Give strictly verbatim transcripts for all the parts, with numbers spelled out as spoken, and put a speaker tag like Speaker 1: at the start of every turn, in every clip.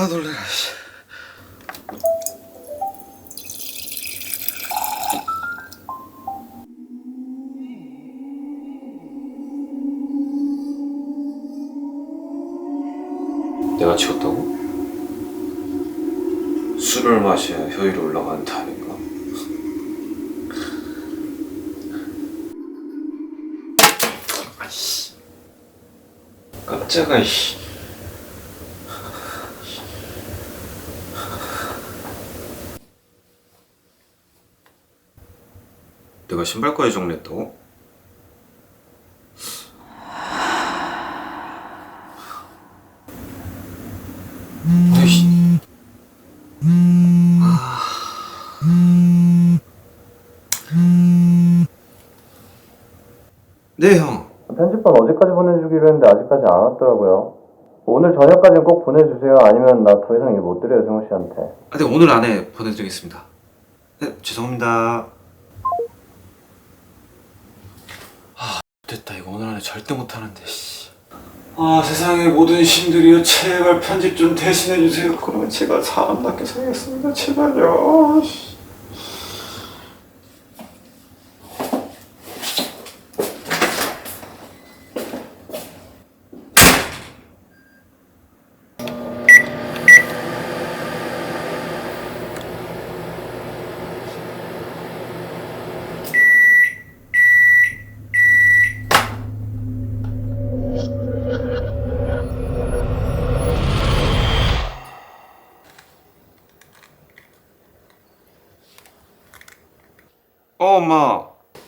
Speaker 1: 놀래라. 내가 치웠다고? 술을 마셔야 효율이 올라가는 타입인가? 아이씨, 깜짝아. 씨. 내가 신발까지 정리했다고? 아이씨. 아. 네, 형.
Speaker 2: 편집본 어제까지 보내주기로 했는데 아직까지 안 왔더라고요. 오늘 저녁까지는 꼭 보내주세요. 아니면 나 더 이상 일 못 드려요, 승우 씨한테.
Speaker 1: 아, 네, 오늘 안에 보내드리겠습니다. 네, 죄송합니다. 아, 됐다. 이거 오늘 안에 절대 못하는데, 씨. 아, 세상의 모든 신들이여, 제발 편집 좀 대신해주세요. 그러면 제가 사람답게 살겠습니다. 제발요. 씨. 어, 엄마.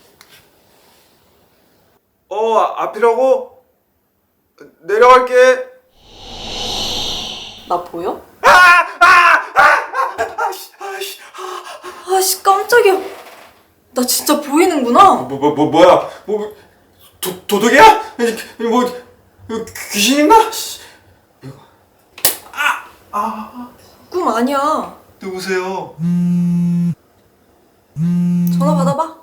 Speaker 1: 어, 앞이라고? 내려갈게.
Speaker 3: 나 보여?
Speaker 1: 아! 아! 아! 아! 아씨, 아씨.
Speaker 3: 아씨 깜짝이야. 나 진짜 보이는구나.
Speaker 1: 뭐, 뭐, 뭐, 뭐야? 뭐, 도, 도둑이야? 아니, 뭐, 귀신인가? 아! 아!
Speaker 3: 꿈 아니야.
Speaker 1: 누구세요?
Speaker 3: 전화 받아봐.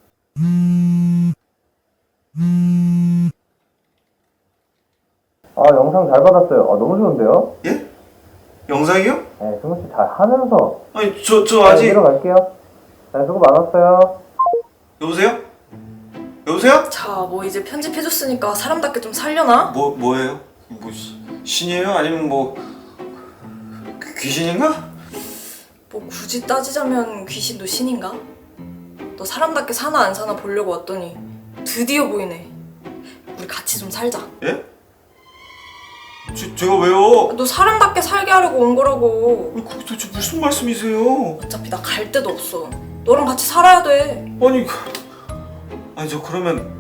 Speaker 2: 아, 영상 잘 받았어요. 아, 너무 좋은데요?
Speaker 1: 예? 영상이요?
Speaker 2: 네, 승우 씨 잘 하면서.
Speaker 1: 아니, 저, 저
Speaker 2: 네,
Speaker 1: 아직.
Speaker 2: 들어갈게요. 네, 수고 많았어요.
Speaker 1: 여보세요? 여보세요?
Speaker 3: 자, 뭐 이제 편집해줬으니까 사람답게 좀 살려나?
Speaker 1: 뭐, 뭐예요? 뭐, 시- 신이에요? 아니면 뭐, 귀- 귀신인가?
Speaker 3: 뭐 굳이 따지자면 귀신도 신인가? 너 사람답게 사나 안 사나 보려고 왔더니 드디어 보이네. 우리 같이 좀 살자.
Speaker 1: 예? 제, 제가 왜요?
Speaker 3: 너 사람답게 살게 하려고 온 거라고.
Speaker 1: 아니, 그게 도대체 무슨 말씀이세요?
Speaker 3: 어차피 나 갈 데도 없어. 너랑 같이 살아야 돼.
Speaker 1: 아니, 아니 저 그러면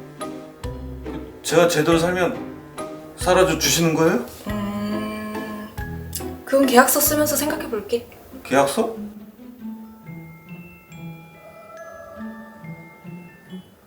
Speaker 1: 제가 제대로 살면 살아줘 주시는 거예요?
Speaker 3: 음... 그건 계약서 쓰면서 생각해 볼게.
Speaker 1: 계약서?